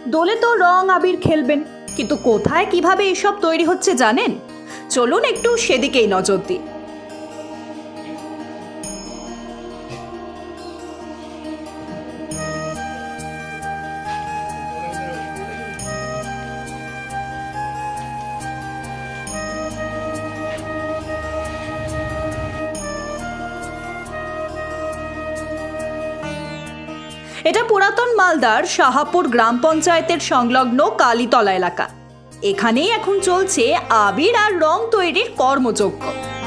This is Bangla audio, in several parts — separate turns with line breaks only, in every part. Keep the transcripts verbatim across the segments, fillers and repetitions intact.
দোলে তো রং আবির খেলবেন, কিন্তু কোথায় কিভাবে এসব তৈরি হচ্ছে জানেন? চলুন একটু সেদিকেই নজর দিই। এটা পুরাতন মালদার শাহাপুর গ্রাম পঞ্চায়েতের সংলগ্ন কালীতলা এলাকা। এখানেই এখন চলছে আবির আর রং তৈরির কর্মযজ্ঞ।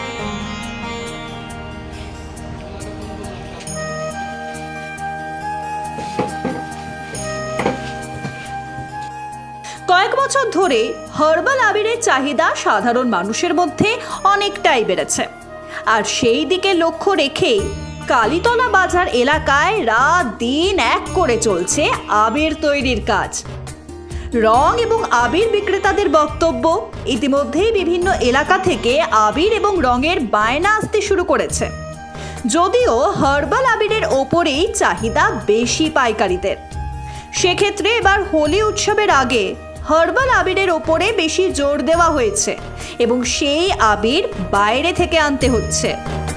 কয়েক বছর ধরে হার্বাল আবিরের চাহিদা সাধারণ মানুষের মধ্যে অনেকটাই বেড়েছে, আর সেই দিকে লক্ষ্য রেখেই কালীতলা বাজার এলাকায় রাত দিন এক করে চলছে আবির তৈরির কাজ। রং এবং আবির বিক্রেতাদের বক্তব্য, ইতিমধ্যেই বিভিন্ন এলাকা থেকে আবির এবং রঙের বায়না আসতে শুরু করেছে। যদিও হার্বাল আবিরের ওপরেই চাহিদা বেশি পাইকারিদের, সেক্ষেত্রে এবার হোলি উৎসবের আগে হার্বাল আবিরের ওপরে বেশি জোর দেওয়া হয়েছে এবং সেই আবির বাইরে থেকে আনতে হচ্ছে।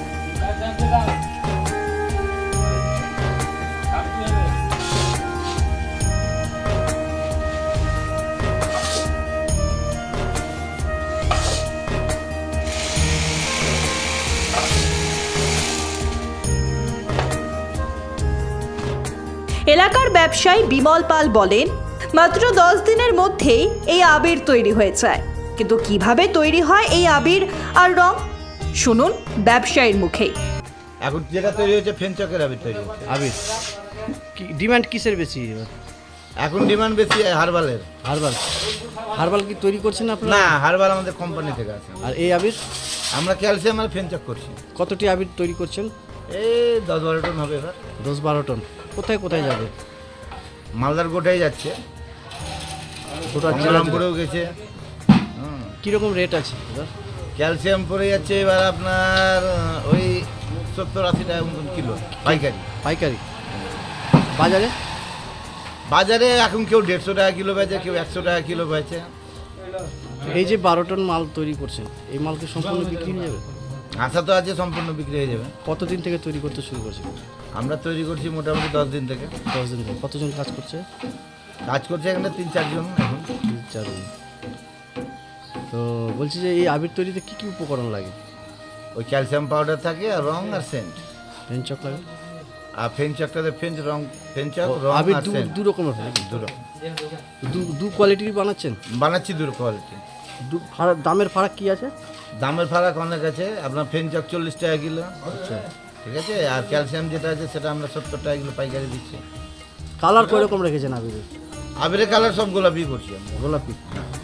এলাকার ব্যবসায়ী বিমল পাল বলেন, মাত্র দশ দিনের মধ্যেই এই আবির তৈরি হয়ে যায়। কিন্তু কিভাবে তৈরি হয় এই আবির আর রং, শুনুন ব্যবসায়ীর মুখেই।
এখন যেটা তৈরি হচ্ছে ফেনচকের আবির তৈরি হচ্ছে।
আবির কি ডিমান্ড কিসের বেশি এবার?
এখন ডিমান্ড বেশি হার্বালের।
হার্বাল হার্বাল কি তৈরি করছেন আপনারা?
না, হার্বাল আমাদের কোম্পানি থেকে আছে।
আর এই আবির
আমরা ক্যালসিয়াম আর ফেনচক করছি।
কতটি আবির তৈরি করছেন?
এই দশ বারো টন হবে এবার।
দশ বারো টন। কোথায় কোথায় যাবে?
মালদার গোটাই যাচ্ছে,
গোটা
গঙ্গারামপুরেও গেছে।
কীরকম রেট আছে এবার?
ক্যালসিয়াম পড়ে যাচ্ছে এবার আপনার ওই সত্তর আশি টাকা মতন কিলো পাইকারি।
পাইকারি বাজারে?
বাজারে এখন কেউ দেড়শো টাকা কিলো বেচে, কেউ একশো টাকা কিলো বেচে।
এই যে বারো টন মাল তৈরি করছেন, এই মাল কি সম্পূর্ণ বিক্রি হয়ে যাবে?
আশা তো আছে সম্পূর্ণ বিক্রি হয়ে যাবে।
কতদিন থেকে তৈরি করতে শুরু করছেন?
আমরা তৈরি করছি মোটামুটি দশ দিন থেকে।
দশ দিন থেকে। কতজন কাজ করছে?
কাজ করছে এখানে তিন চারজন এখন।
তিন চারজন। তো বলছি যে এই আবির তৈরিতে কী কী উপকরণ লাগে?
ওই ক্যালসিয়াম পাউডার থাকে আর রং আর সেন্ট।
ফেনচক লাগে?
আর ফেনচকটাতে ফেঞ্চ রং, ফেনচক রং
আবির
আর
দু
সেন্ট
দু রকমের হয় নাকি?
দু রকম
দু দু কোয়ালিটির বানাচ্ছেন?
বানাচ্ছি দু কোয়ালিটি।
দু ফারাক, দামের ফারাক কি আছে?
দামের ফারাক অনেক আছে। আপনার ফেনচক চল্লিশ টাকা কিলো,
আচ্ছা,
ঠিক আছে। আর ক্যালসিয়াম যেটা আছে সেটা আমরা সত্তর টাকা কিলো পাইকারি দিচ্ছি।
কালার কয় রকম রেখেছেন আবিরের?
আবিরের কালার সব গোলাপি করছি আমরা।
গোলাপি।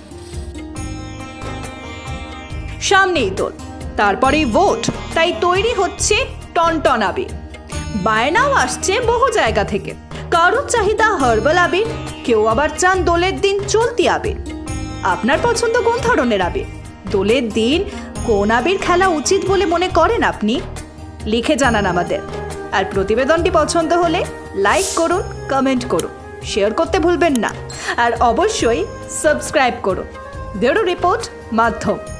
সামনেই দোল, তারপরেই ভোট, তাই তৈরি হচ্ছে টনটন আবির। বায়নাও আসছে বহু জায়গা থেকে। কারোর চাহিদা হার্বাল আবির, কেউ আবার চান দোলের দিন চলতি আবির। আপনার পছন্দ কোন ধরনের আবির? দোলের দিন কোন আবির খেলা উচিত বলে মনে করেন আপনি? লিখে জানান আমাদের। আর প্রতিবেদনটি পছন্দ হলে লাইক করুন, কমেন্ট করুন, শেয়ার করতে ভুলবেন না, আর অবশ্যই সাবস্ক্রাইব করুন। ব্যুরো রিপোর্ট, মাধ্যম।